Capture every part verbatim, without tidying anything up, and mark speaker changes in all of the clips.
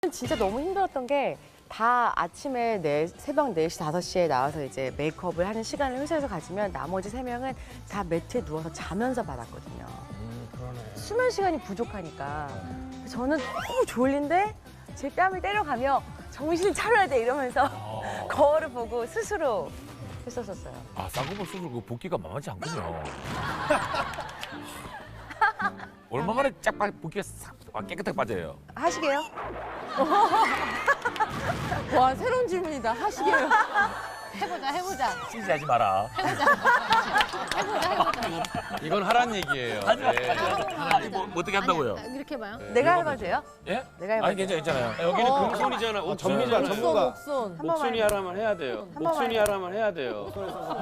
Speaker 1: 저는 진짜 너무 힘들었던 게 다 아침에 네, 새벽 네 시, 다섯 시에 나와서 이제 메이크업을 하는 시간을 회사에서 가지면 나머지 세 명은 다 매트에 누워서 자면서 받았거든요.
Speaker 2: 음, 그러네.
Speaker 1: 수면 시간이 부족하니까. 저는 너무 졸린데 제 뺨을 때려가며 정신 차려야 돼 이러면서 거울을 보고 스스로 했었었어요.
Speaker 3: 아, 쌍꺼풀 수술 그 붓기가 만만치 않군요. 얼마 만에 쫙 빠- 붓기가 싹 아, 깨끗하게 빠져요.
Speaker 1: 하시게요?
Speaker 4: 와, 새로운 질문이다. 하시게요.
Speaker 5: 해보자, 해보자.
Speaker 3: 찌질하지 마라.
Speaker 5: 해보자, 해보자.
Speaker 2: 이건 하란 얘기예요.
Speaker 3: 하지 마.
Speaker 2: 네.
Speaker 3: 아니, 뭐, 뭐 어떻게 한다고요?
Speaker 5: 아니, 이렇게 봐요.
Speaker 1: 내가 해봐도 돼요?
Speaker 3: 예?
Speaker 1: 내가 해봐도
Speaker 3: 아니, 괜찮아요, 괜찮아요.
Speaker 2: 여기는
Speaker 4: 어.
Speaker 2: 금손이잖아. 옥순.
Speaker 6: 전문가,
Speaker 4: 목손,
Speaker 6: 전문가.
Speaker 4: 목손.
Speaker 1: 한 번만
Speaker 2: 옥순이 하라면 해야 돼요.
Speaker 1: 번만
Speaker 2: 옥순이
Speaker 1: 해요.
Speaker 2: 하라면 해야 돼요.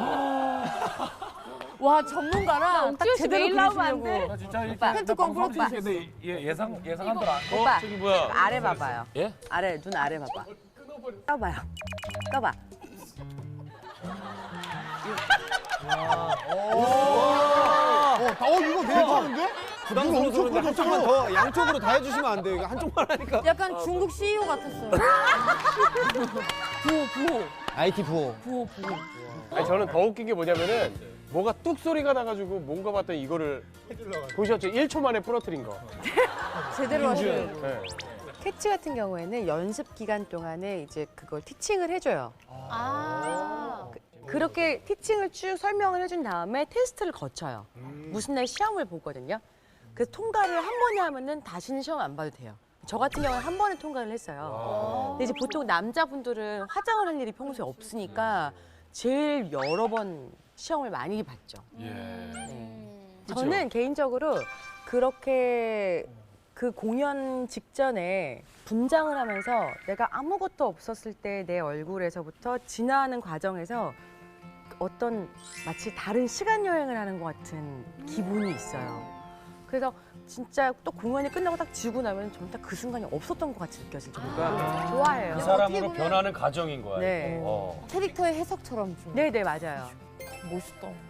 Speaker 4: 와, 전문가랑 딱
Speaker 5: 옥지호 씨
Speaker 4: 제대로
Speaker 5: 매일 나오면 안
Speaker 4: 그리시려고.
Speaker 3: 나 진짜 이렇게
Speaker 1: 오빠,
Speaker 4: 팬트 꽝
Speaker 3: 방송하면서
Speaker 4: 부러뜨리셨어.
Speaker 3: 이렇게 예, 예상, 예상한 대로 안.
Speaker 2: 어?
Speaker 1: 오빠.
Speaker 2: 저기 뭐야?
Speaker 1: 아래 봐봐요.
Speaker 3: 예?
Speaker 1: 아래, 눈 아래 봐봐. 떠봐요. 떠봐.
Speaker 6: 어, 어 이거 괜찮은데? 부담스러워서 그런데 한쪽만 더 양쪽으로 다 해주시면 안 돼요. 이거 한쪽만 하니까.
Speaker 4: 약간 중국 씨이오 같았어요. 부호, 부호,
Speaker 6: 아이티 부호.
Speaker 4: 부호, 부호.
Speaker 7: 아니, 저는 더 웃긴 게 뭐냐면은 뭐가 뚝 소리가 나가지고 뭔가 봤더니 이거를 보셨죠? 일 초 만에 부러뜨린 거.
Speaker 4: 제대로 하시는.
Speaker 7: 네.
Speaker 1: 캐치 같은 경우에는 연습 기간 동안에 이제 그걸 티칭을 해줘요.
Speaker 5: 아.
Speaker 1: 그렇게 티칭을 쭉 설명을 해준 다음에 테스트를 거쳐요. 무슨 날 시험을 보거든요. 그래서 통과를 한 번에 하면은 다시는 시험 안 봐도 돼요. 저 같은 경우는 한 번에 통과를 했어요. 근데 이제 보통 남자분들은 화장을 할 일이 평소에 없으니까 제일 여러 번 시험을 많이 봤죠.
Speaker 3: 예.
Speaker 1: 네. 저는 개인적으로 그렇게 그 공연 직전에 분장을 하면서 내가 아무것도 없었을 때 내 얼굴에서부터 진화하는 과정에서 어떤 마치 다른 시간 여행을 하는 것 같은 기분이 있어요. 그래서 진짜 또 공연이 끝나고 딱 지고 나면 정말 딱 그 순간이 없었던 것 같이 느껴질 정도가 좋아해요.
Speaker 2: 그 사람으로 변하는 과정인 거야.
Speaker 1: 네.
Speaker 2: 어.
Speaker 4: 캐릭터의 해석처럼 좀.
Speaker 1: 네네 맞아요.
Speaker 4: 멋있다.